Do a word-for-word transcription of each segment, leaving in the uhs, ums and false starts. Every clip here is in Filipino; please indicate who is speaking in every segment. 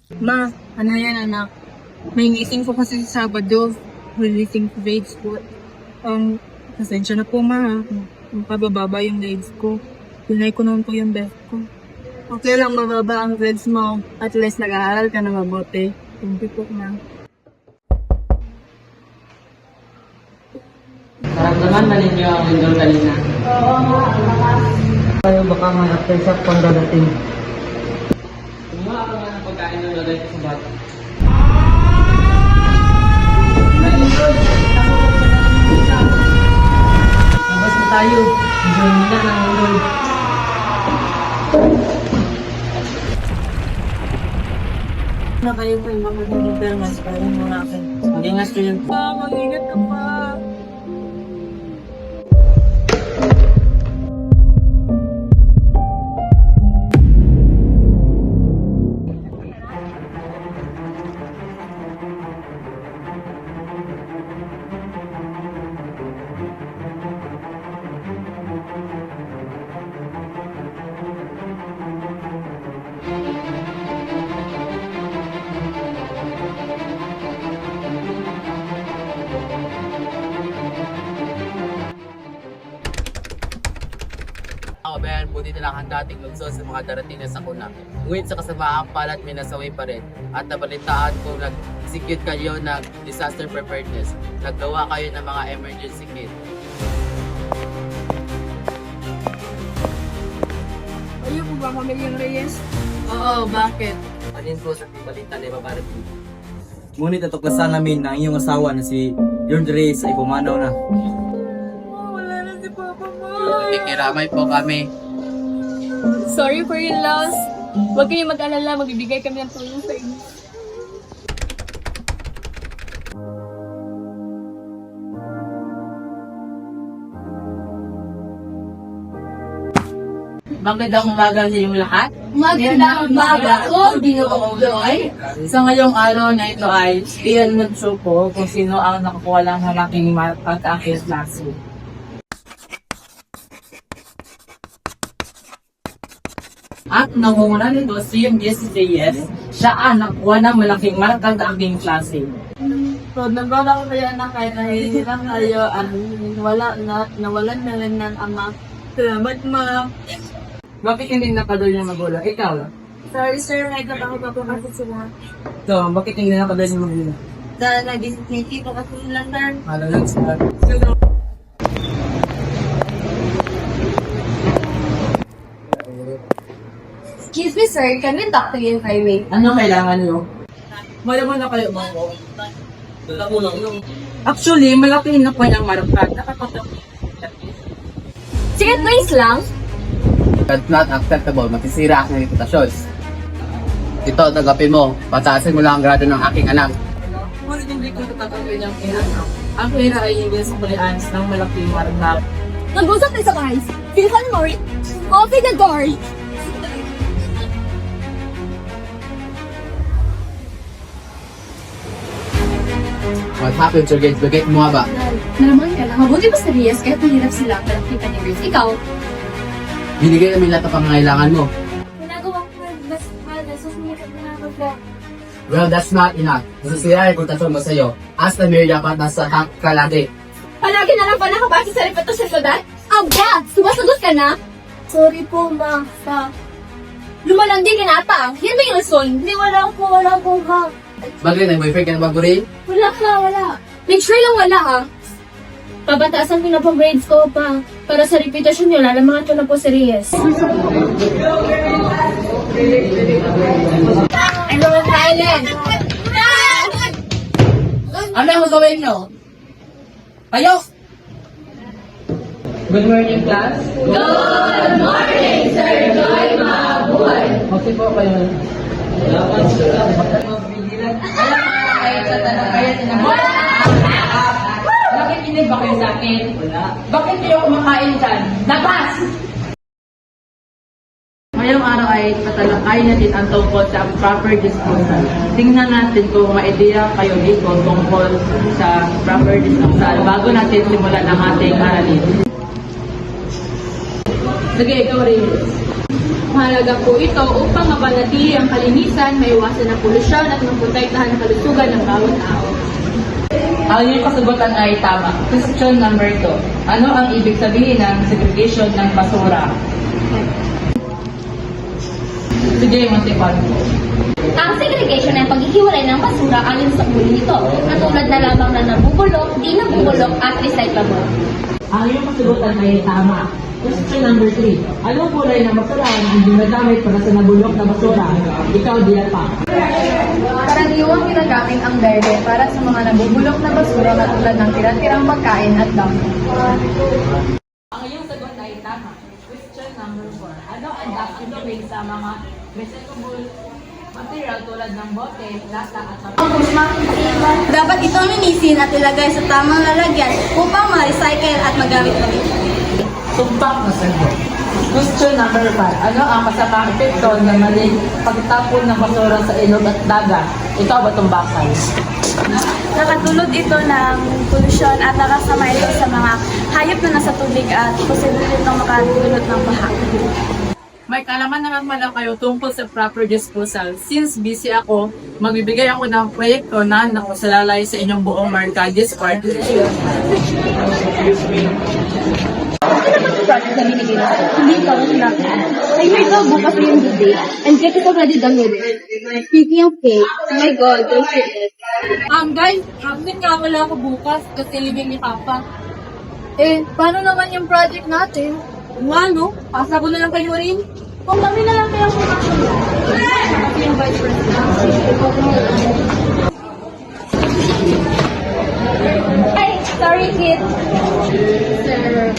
Speaker 1: Ma, ano yan anak? May ngising ko kasi sa Sabado. Releasing grades ko. Um, pasensya na po ma. Pabababa yung grades ko. Pinay ko naman po yung best ko. Okay lang mababa ang grades mo. At least nag-aaral ka na mabuti. Thank you po na.
Speaker 2: Naramdaman na ninyo ang lindol kanina.
Speaker 1: Oo nga,
Speaker 2: Tayo baka may aftershock pang dadating. Kumuha ka nga ng pagkain ng lagay ko sa bata. Labas na tayo. Enjoy nila ng lindol.
Speaker 1: na kayo po yung mga deliver mas kaya mo na akin. Mag-ingat kayo. Pa, mag-ingat ka pa.
Speaker 3: Kabayan po dito lang ang dating lungsod sa mga darating na sakuna. Ngunit sa kasamaang palat may nasaway pa rin. At nabalitaan kung nag-execute kayo ng disaster preparedness. Naggawa kayo ng mga emergency kit.
Speaker 1: Ayaw po ba Pamilyang Reyes? Oo, bakit?
Speaker 3: Alin po sa balita na ibabarating.
Speaker 4: Ngunit natuklasan namin na ang iyong asawa na si George Reyes ay pumanaw na.
Speaker 1: Oh, wala na si Papa mo.
Speaker 3: Nakikiramay po kami.
Speaker 5: Sorry for your loss. Huwag kayong mag-alala, magbibigay kami ng tulong sa inyo.
Speaker 2: Magandang umaga sa inyong lahat.
Speaker 5: Magandang umaga po, Ginoong Loy.
Speaker 2: Sa ngayong araw na ito ay iyan mag-show po kung sino ang nakakuha lang ng aking pag-akit klase. At nangunguna nito si M D S Reyes, siya ang nakuha ng malaking markang aking klase.
Speaker 1: So, nagbabago kaya na kahit nahihirap kayo at wala na, nawalan na rin ng ama. Salamat, ma.
Speaker 2: Bakit hindi nakadol yung magulang? Ikaw?
Speaker 1: Sorry, sir. Nagkataon pa po kasi sila.
Speaker 2: So, bakit hindi nakadol yung magulang?
Speaker 1: Dahil nag-disney po kasi sila, sir.
Speaker 2: Ano lang sila?
Speaker 5: Excuse me, sir. Can we talk to you private?
Speaker 2: Ano kailangan nyo? Malaman na kayo mga ko. Actually, malaki na po niyang marupad. Nakapatapos.
Speaker 5: Sige, nice lang.
Speaker 3: That's not acceptable. Matisira ang reputasyon. Ito, tagapin mo. Pataasin mo lang ang grado ng aking anak.
Speaker 2: Ngunit hindi ko tatanggapin ang pera. Ang pera ay hindi sa kulians ng malaking marupad.
Speaker 5: Nag-usap tayo sa guys. Feel ka na, Maury? Open the door.
Speaker 3: What happened, Sir Gates? Bagay mo nga ba?
Speaker 5: Nalaman ka lang. Mabuti ba sa Reyes kahit mahirap sila para kita ni Grace? Ikaw?
Speaker 3: Binigay namin lahat ng pangangailangan mo.
Speaker 5: Ginagawa ko na mas mahal na susunod na ako po.
Speaker 3: Well, that's not enough. Nasasira ang reputasyon mo sa'yo. As the mayor, dapat nasa tank ka lagi.
Speaker 5: Palagi na lang pa nakabasa sa repeto sa syudad? Aba! Sumasagot ka na? Sorry po, ma. Sa... Lumalandi ka na ata. Yan ba yung rason? Hindi, wala po, wala po, ma.
Speaker 3: Bagay, nag-boyfriend ka na ba, Guri?
Speaker 5: Wala ka, wala. Make sure lang wala, ha? Pabataasan ko na po grades ko pa. Para sa reputasyon nyo, lalamangan ko na po si Reyes. Ano ang Thailand?
Speaker 2: Ano ang gagawin nyo? Kayo! Good morning, class.
Speaker 5: Good morning, Sir Joy Mabuhay.
Speaker 2: Okay po kayo. Dapat sila. Magbigilan. Alam mo kayo sa tanong kayo sinabi. Nakikinig ba kayo sa akin? Wala. Bakit kayo kumakain dyan? Labas! Ngayong araw ay tatalakayin natin ang tungkol sa proper disposal. Tingnan natin kung ma-idea kayo dito tungkol sa proper disposal bago natin simulan ang ating aralin. Sige, ikaw rin.
Speaker 6: Mahalaga po ito upang mapanatili ang kalinisan, maiwasan ang polusyon at maprotektahan ang kalusugan ng bawat tao.
Speaker 2: Ang iyong kasagutan ay tama. Question number two. Ano ang ibig sabihin ng segregation ng basura? Sige, Montepalco.
Speaker 5: Ang segregation ay paghihiwalay ng basura ayon sa uri nito, katulad na lamang na nabubulok, di nabubulok at recyclable.
Speaker 2: Ang iyong kasagutan ay tama. Question number three. Anong kulay ng basura ang ginagamit para sa nabulok na basura? Ikaw, Dilata.
Speaker 6: Karaniwang ginagamit ang berde para sa mga nabubulok na basura katulad ng tira-tirang pagkain at damo.
Speaker 2: Ang iyong sagot ay tama. Question number four. Ano ang dapat gawin sa mga recyclable material tulad ng bote, lata at tapos?
Speaker 5: Dapat ito linisin at ilagay sa tamang lalagyan upang ma-recycle at magamit ulit.
Speaker 2: Tumpak na sagot. Question number five. Ano ang kasamang epekto ng maling pagtapon ng basura sa ilog at dagat? Ito ba tumbakan?
Speaker 6: Nakatulot ito ng polusyon at nakasama ito sa mga hayop na nasa tubig at posible itong makatulot ng baha.
Speaker 1: May kalaman naman pala kayo tungkol sa proper disposal. Since busy ako, magbibigay ako ng proyekto na nakasalalay sa inyong buong Marcadis Park.
Speaker 5: Project na binigay na hindi ikaw ang sinabi. Ay, may ito, bukas na yung due date. And get it already done with it. Speaking of cake, oh my God, don't say it.
Speaker 1: Um, guys, absent nga wala ako bukas kasi living ni Papa. Eh, paano naman yung project natin? Nga, no? Pasa ko na lang kayo rin.
Speaker 5: Kung kami na lang kaya pumasok. Kasi yung vice president. Ay, sorry kid. Sir.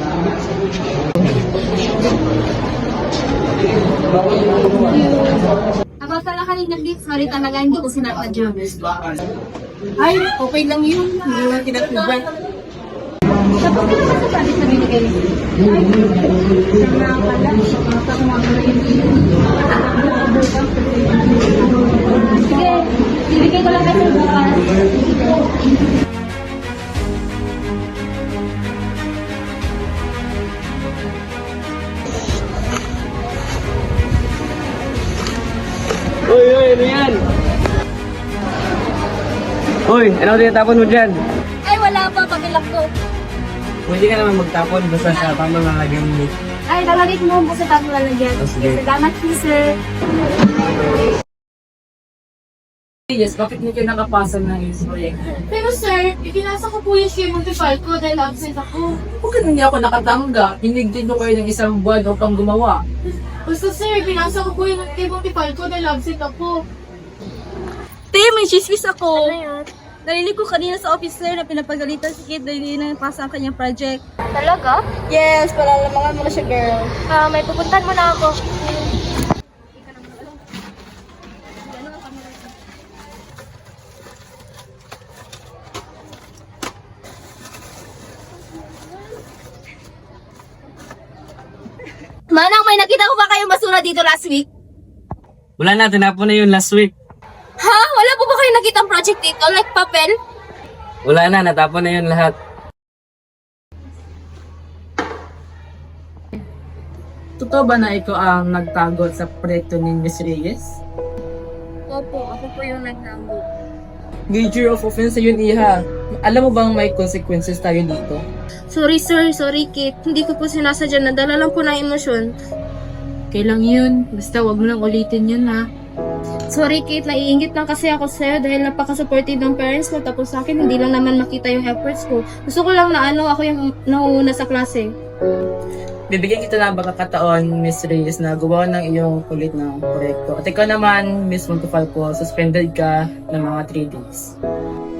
Speaker 5: Ako sa kanina please, sorry talaga, hindi ko sinakadya.
Speaker 1: Ay, okay lang yun. Hindi lang kinatuban.
Speaker 5: Tapos sino ba sa project na binigay niyo? Sa mga pala, sa mga pala Sige, bibigay ko lang kasi bukas.
Speaker 4: Uy, uy, ano yan? Uy, ano tinatapon mo dyan?
Speaker 5: Ay, wala pa, pagilak ko.
Speaker 4: Pwede ka naman magtapon basta sa tamang lalagyan mo.
Speaker 5: Ay, lalagay mo po sa tapo lalagyan.
Speaker 4: Oh, sige.
Speaker 5: Salamat po, sir.
Speaker 1: Yes, bakit hindi kayo nakapasa ng isang proyekto?
Speaker 5: Pero sir, ipinasa ko po yung share multifile ko dahil absent ako.
Speaker 1: Bakit hindi ako nakatangga? Hinigdin ko kayo ng isang buwan upang gumawa.
Speaker 5: Basta sir, pinasa ko po yung multifile ko dahil absent ako. Te, may chismis ako. Ano yan? Narinig ko kanina sa officer na pinapagalitan si Kid dahil hindi na napasa ang kanyang project.
Speaker 6: Talaga?
Speaker 5: Yes, palalamangan mo na siya, girl.
Speaker 6: Ah, may pupuntan mo na ako.
Speaker 5: Manang, may nakita ko ba kayong basura dito last week?
Speaker 4: Wala na, tinapon na yun last week.
Speaker 5: Ha? Wala po ba kayong nakitang project dito? Like papel?
Speaker 4: Wala na, natapon na yun lahat.
Speaker 1: Totoo ba na ikaw ang nagtago sa proyekto ni Miss Reyes?
Speaker 5: Opo, ako po yung nagnambo.
Speaker 1: Major of offense yun, Iha. Alam mo bang may consequences tayo dito?
Speaker 5: Sorry sir, sorry Kit. Hindi ko po sinasadya. Nadala lang po ng emosyon.
Speaker 1: Kailang yun. Basta wag mo lang ulitin yun, ha?
Speaker 5: Sorry Kit, naiingit lang kasi ako sa'yo dahil napaka-supportive ng parents ko. Tapos sa akin, hindi lang naman makita yung efforts ko. Gusto ko lang na ano, ako yung nauuna sa klase.
Speaker 1: Bibigyan kita ng pagkakataon, Miss Reyes, na gawa ng iyong kulit ng proyekto. At ikaw naman, Miss Montefalco, suspended ka ng mga three days.